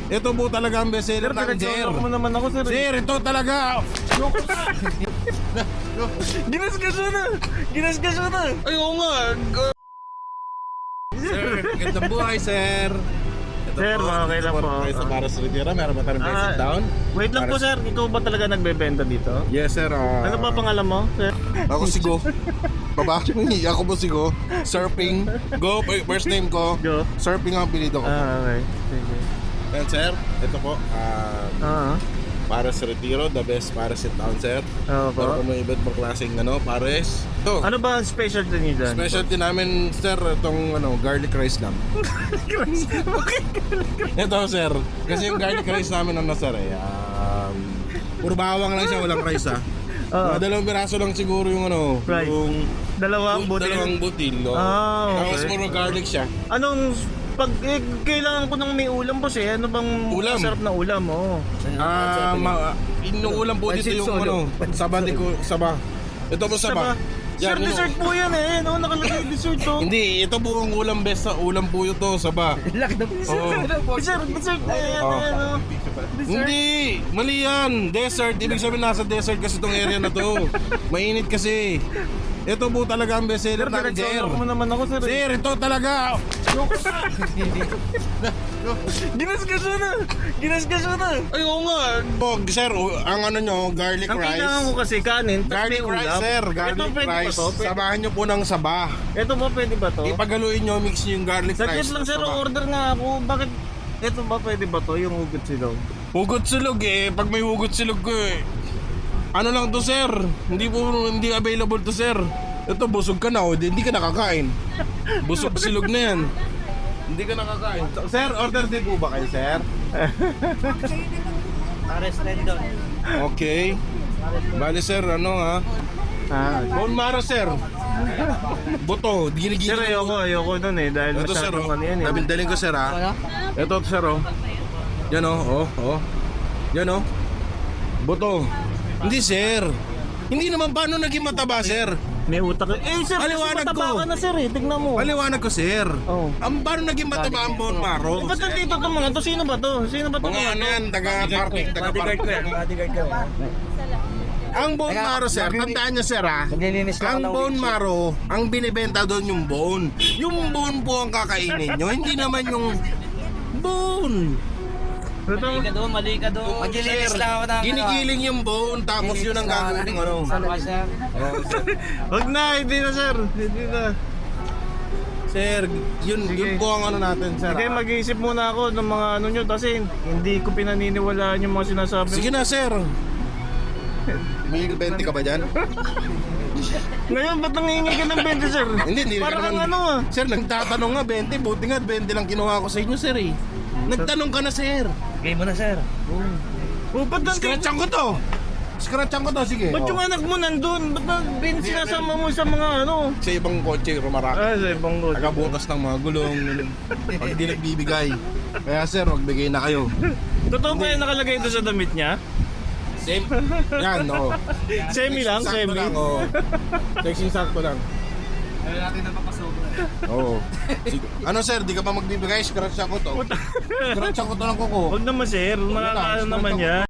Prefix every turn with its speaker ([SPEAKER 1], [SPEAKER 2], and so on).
[SPEAKER 1] Ito po talaga ang bestseller namin, sir.
[SPEAKER 2] mo naman ako, sir.
[SPEAKER 1] Sir, ito talaga.
[SPEAKER 2] Ginasgasyo na. Ginasgasyo na.
[SPEAKER 1] Ay, oo nga. Sir, gandang buhay, sir. Ito
[SPEAKER 2] Sir,
[SPEAKER 1] po,
[SPEAKER 2] okay lang
[SPEAKER 1] ito
[SPEAKER 2] po.
[SPEAKER 1] Kayo sa Paras Retira, meron ba tayong basic down?
[SPEAKER 2] Wait lang po, sir. Ikaw ba talaga nagbebenta dito?
[SPEAKER 1] Yes, sir.
[SPEAKER 2] Ano ba pangalan mo, sir?
[SPEAKER 1] Ako si Go. Baba, ako po si Go. Surfing. Go, first name ko.
[SPEAKER 2] Go.
[SPEAKER 1] Surfing ang apelido ko.
[SPEAKER 2] Okay. Sige.
[SPEAKER 1] Well, sir, ito po. Paras Retiro, the best Paras in town, sir.
[SPEAKER 2] Oo po.
[SPEAKER 1] Para kung may iba't bang klaseng Pares. Ito.
[SPEAKER 2] Ano ba ang specialty niyo dyan?
[SPEAKER 1] Specialty namin, sir, itong garlic rice lang. Ito, sir. Kasi yung garlic rice namin sir, puro bawang lang siya, walang rice, Mga dalawang piraso lang siguro yung
[SPEAKER 2] Rice.
[SPEAKER 1] yung
[SPEAKER 2] Dalawang butil.
[SPEAKER 1] dalawang butil. Tapos
[SPEAKER 2] Okay.
[SPEAKER 1] puro garlic siya.
[SPEAKER 2] Anong kailangan ko ng may ulam boss eh. Ano bang
[SPEAKER 1] Ulam?
[SPEAKER 2] masarap na ulam? Oo.
[SPEAKER 1] Inuulam po dito yung saba ko, saba. Ito po saba.
[SPEAKER 2] Sir, dessert po yan eh. Ano, nakalagay dessert to.
[SPEAKER 1] Hindi, ito po ang ulam best sa ulam po ito, saba. Oo.
[SPEAKER 2] Sir, dessert na yan. Ano? Dessert.
[SPEAKER 1] Hindi, mali yan. Desert, ibig sabihin nasa desert kasi itong area na to. Mainit kasi. Ito po talaga ang bestseller namin, sir.
[SPEAKER 2] mo naman ako, sir.
[SPEAKER 1] Sir, ito talaga.
[SPEAKER 2] Ginasgasyo na. Ginasgasyo na.
[SPEAKER 1] Ay, oo nga. Sir, ang garlic
[SPEAKER 2] Ang
[SPEAKER 1] rice.
[SPEAKER 2] kailangan ko kasi kanin. tas
[SPEAKER 1] Garlic
[SPEAKER 2] may
[SPEAKER 1] rice,
[SPEAKER 2] ulam.
[SPEAKER 1] sir.
[SPEAKER 2] Ito
[SPEAKER 1] Garlic
[SPEAKER 2] pwede ba
[SPEAKER 1] rice.
[SPEAKER 2] to?
[SPEAKER 1] Samahan nyo po ng saba.
[SPEAKER 2] Ito ba pwede ba to?
[SPEAKER 1] Ipagaluin nyo, mix nyo yung garlic
[SPEAKER 2] Saglit
[SPEAKER 1] rice.
[SPEAKER 2] lang sir,
[SPEAKER 1] saba.
[SPEAKER 2] order nga ako. Bakit? Ito ba pwede ba to? Yung hugot silog?
[SPEAKER 1] Hugot silog pag may hugot silog ko ano lang to, sir? Hindi available to, sir. Ito, busog ka na hindi ka nakakain. Busog silog na yan. Hindi ka nakakain. Sir, order din po ba kayo, sir?
[SPEAKER 3] Pares Rendon.
[SPEAKER 1] Okay. Bali, sir, bone marrow, sir. Buto,
[SPEAKER 2] Sir,
[SPEAKER 1] ginigil.
[SPEAKER 2] ayoko nun eh. Dahil
[SPEAKER 1] Ito, sir,
[SPEAKER 2] masyadong ano yan eh.
[SPEAKER 1] Daling ko, sir, Ito, sir, Yan, Yan, Buto. Hindi, sir. Hindi naman paano naging mataba, sir.
[SPEAKER 2] May utak. Sir,
[SPEAKER 1] Paliwanag
[SPEAKER 2] kasi mataba
[SPEAKER 1] ko.
[SPEAKER 2] ka na sir eh. Tignan mo.
[SPEAKER 1] Paliwanag ko, sir.
[SPEAKER 2] Oh.
[SPEAKER 1] Ang paano naging mataba ang bone marrow?
[SPEAKER 2] Ba't nandito itong mga to? Sino ba to? Sino ba to?
[SPEAKER 1] Mga yan, taga-parking,
[SPEAKER 3] Bodyguard ko yan. Bodyguard ko yan.
[SPEAKER 1] Ang bone marrow, sir, tandaan nyo, sir,
[SPEAKER 3] Naglilinis lang
[SPEAKER 1] ang
[SPEAKER 3] ako ng
[SPEAKER 1] bone marrow, ang binibenta doon yung bone. Yung bone po ang kakainin nyo, hindi naman yung bone.
[SPEAKER 3] Mali ka doon, mali ka doon. Maglilinis lang ako ng
[SPEAKER 1] Ginigiling yung bone, tapos yun ang gagawin mo.
[SPEAKER 3] sir.
[SPEAKER 2] Wag na, hindi na sir. Hindi na.
[SPEAKER 1] Sir, yun po ang natin, sir.
[SPEAKER 2] Sige, mag-iisip muna ako ng mga nyo kasi hindi ko pinaniniwalaan yung mga sinasabi.
[SPEAKER 1] Sige na, sir. May 20 ka ba dyan?
[SPEAKER 2] Ngayon, ba't nangingi ka ng 20 sir?
[SPEAKER 1] Hindi ka
[SPEAKER 2] Parang
[SPEAKER 1] naman. Sir, nagtatanong nga 20, buti nga 20 lang kinuha ko sa inyo, sir Nagtanong ka na, sir.
[SPEAKER 3] Okay mo na, sir.
[SPEAKER 2] Ba't
[SPEAKER 1] Scratchan ko to. Sige.
[SPEAKER 2] Ba't yung anak mo nandun? Ba't sinasama mo sa mga
[SPEAKER 1] Sa ibang kotse, rumaraka.
[SPEAKER 2] sa ibang road.
[SPEAKER 1] Nagabukas ng mga gulong. Pag hindi nagbibigay. Kaya, sir, magbigay na kayo.
[SPEAKER 2] Totoo ba yung nakalagay ito sa damit niya?
[SPEAKER 1] Same. Yan,
[SPEAKER 2] Semi lang,
[SPEAKER 1] Sakto
[SPEAKER 2] semi.
[SPEAKER 1] lang, Sexy sakto lang.
[SPEAKER 3] Ayaw natin na papasobra.
[SPEAKER 1] Oo. Ano, sir, di ka pa magbibigay? Scratch ako to. Scratch ako to ng kuko.
[SPEAKER 2] Huwag naman sir, makakaano naman yan.